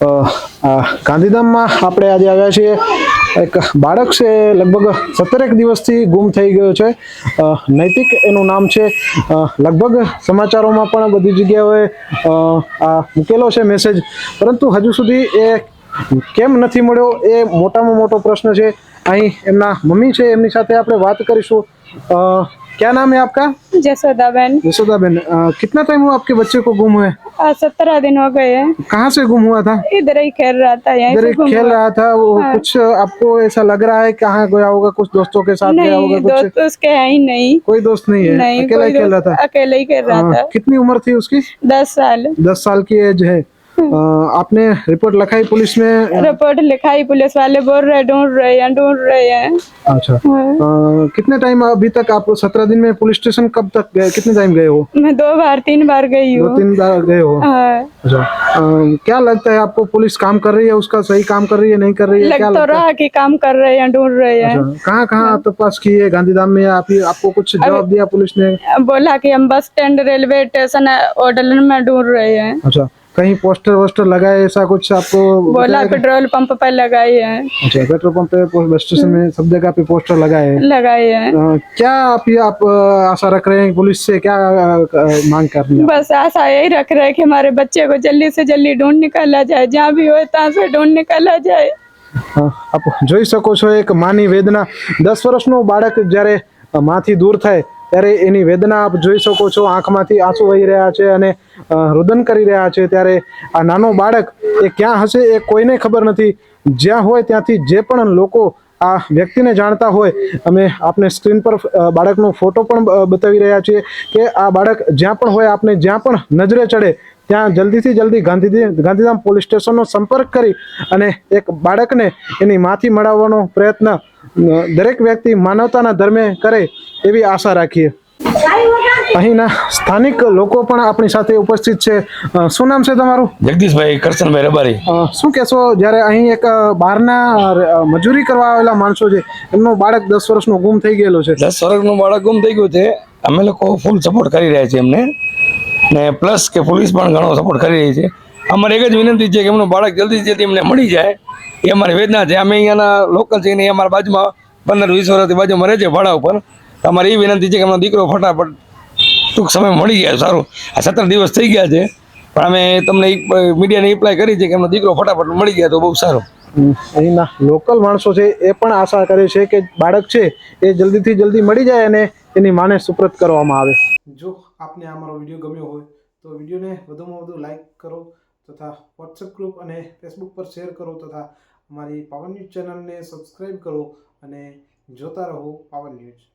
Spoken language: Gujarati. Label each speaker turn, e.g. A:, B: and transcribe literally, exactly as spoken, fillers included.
A: ગાંધીધામમાં આપણે આજે આવ્યા છીએ। એક બાળક છે, લગભગ સત્તરેક દિવસથી ગુમ થઈ ગયો છે। નૈતિક એનું નામ છે। લગભગ સમાચારોમાં પણ બધી જગ્યાએ આ મૂકેલો છે મેસેજ, પરંતુ હજુ સુધી એ કેમ નથી મળ્યો એ મોટામાં મોટો પ્રશ્ન છે। અહીં એમના મમ્મી છે, એમની સાથે આપણે વાત કરીશું। क्या नाम है आपका?
B: जसोदा बहन।
A: यशोदा बहन, कितना टाइम हुआ आपके बच्चे को गुम हुए?
B: आज सत्रह दिन हो गए हैं।
A: कहाँ से गुम हुआ था?
B: इधर ही खेल रहा था, यहीं
A: इधर
B: से
A: ही
B: गुम
A: खेल
B: हुआ।
A: रहा था वो।
B: हाँ।
A: कुछ आपको ऐसा लग रहा है कहाँ गया होगा? कुछ दोस्तों के साथ गया होगा?
B: नहीं,
A: कुछ
B: दोस्त उसके है ही नहीं।
A: कोई दोस्त नहीं है?
B: नहीं,
A: अकेला ही
B: कोई
A: खेल रहा
B: दोस्त
A: था?
B: अकेले ही खेल रहा
A: हाँ,
B: था।
A: कितनी उम्र थी उसकी?
B: दस साल।
A: दस साल की एज है। अ, आपने रिपोर्ट लिखाई पुलिस में?
B: रिपोर्ट लिखाई, पुलिस वाले बोल रहे ढूंढ रहे हैं ढूंढ रहे हैं।
A: अच्छा।
B: हाँ।
A: अ, कितने टाइम अभी तक आप सत्रह दिन में पुलिस स्टेशन कब तक गए? कितने टाइम गए हो?
B: मैं दो बार तीन बार गई
A: दो
B: हूँ।
A: तीन बार गए हो?
B: हाँ।
A: अच्छा। अ, क्या लगता है आपको, पुलिस काम कर रही है उसका? सही काम कर रही है, नहीं कर रही है?
B: लग
A: क्या
B: तो
A: लगता है?
B: रहा कि काम कर रहे हैं, ढूंढ रहे हैं।
A: अच्छा, कहाँ कहाँ तपास की है गांधीधाम में? आप ही आपको कुछ जवाब दिया पुलिस ने?
B: बोला कि हम bus stand, railway station, hotel में ढूंढ रहे हैं।
A: अच्छा, कहीं पोस्टर वोस्टर लगाए ऐसा कुछ आपको
B: बोला
A: बताया क्या?
B: पेट्रोल पंप पर लगाए हैं।
A: अच्छा, पेट्रोल पंप पे, बस स्टेशन में, सब जगह पे पोस्टर लगाए हैं।
B: लगाए हैं।
A: अ, क्या आप ये आप अ, आशा रख रहे हैं पुलिस से? क्या अ, मांग कर रही हैं?
B: बस आशा यही रख रहे हैं कि हमारे बच्चे को जल्दी से जल्दी ढूंढ निकाला जाए, जहाँ भी हो तहाँ से ढूंढ निकाला जाए।
A: આપ જોઈ શકો છો એક માની વેદના। દસ વર્ષનું બાળક જ્યારે માથી દૂર થાય ત્યારે એની વેદના આપ જોઈ શકો છો। આંખમાંથી આંસુ વહી રહ્યા છે અને રુદન કરી રહ્યા છે। ત્યારે આ નાનો બાળક એ ક્યાં હશે એ કોઈને ખબર નથી। જ્યાં હોય ત્યાંથી જે પણ લોકો આ વ્યક્તિને જાણતા હોય, અમે આપને સ્ક્રીન પર બાળકનો ફોટો પણ બતાવી રહ્યા છીએ કે આ બાળક જ્યાં પણ હોય, આપને જ્યાં પણ નજરે ચડે ત્યાં જલ્દીથી જલ્દી ગાંધી ગાંધીધામ પોલીસ સ્ટેશનનો સંપર્ક કરી અને એક બાળકને એની માથી મળાવવાનો પ્રયત્ન દરેક વ્યક્તિ માનવતાના ધર્મે કરે એવી આશા રાખીએ। અહીંના સ્થાનિક લોકો પણ આપણી સાથે ઉપસ્થિત છે। શું નામ છે તમારું?
C: જગદીશભાઈ કરશનભાઈ રબારી।
A: શું કહેશો, જ્યારે અહીં એક બહારના મજૂરી કરવા આવેલા માણસો છે, એમનો બાળક દસ વર્ષનો ગુમ થઈ ગયેલો છે?
C: દસ વર્ષનું બાળક ગુમ થઈ ગયું છે। અમે લોકો ફૂલ સપોર્ટ કરી રહ્યા છીએ એમને, ને પ્લસ કે પોલીસ પણ ઘણો સપોર્ટ કરી રહી છે। અમારી એક જ વિનંતી છે કે એમનું બાળક જલ્દી જલ્દી એમને મળી જાય, એ અમારી વેદના છે। અમે અહીંયાના લોકલ છે ને, અમારા બાજુમાં પંદર વીસ વર્ષથી બાજુમાં રહે છે ભાડા ઉપર। અમારી એ વિનંતી છે કે એમનો દીકરો ફટાફટ ટૂંક સમય મળી જાય સારું। આ સત્તર દિવસ થઈ ગયા છે, પણ અમે તમને મીડિયાને એપ્લાય કરી છે કે એમનો દીકરો ફટાફટ મળી જાય તો બહુ સારું।
A: અહીંના લોકલ માણસો છે એ પણ આશા કરે છે કે બાળક છે એ જલ્દીથી જલ્દી મળી જાય અને એની માને સુપ્રત કરવામાં આવે। જો આપને આ મારો વિડીયો ગમ્યો હોય તો વિડીયોને વધુમાં વધુ લાઈક કરો તથા વોટ્સએપ ગ્રુપ અને ફેસબુક પર શેર કરો તથા અમારી પાવન ન્યૂઝ ચેનલને સબસ્ક્રાઈબ કરો અને જોતા રહો પાવન ન્યૂઝ।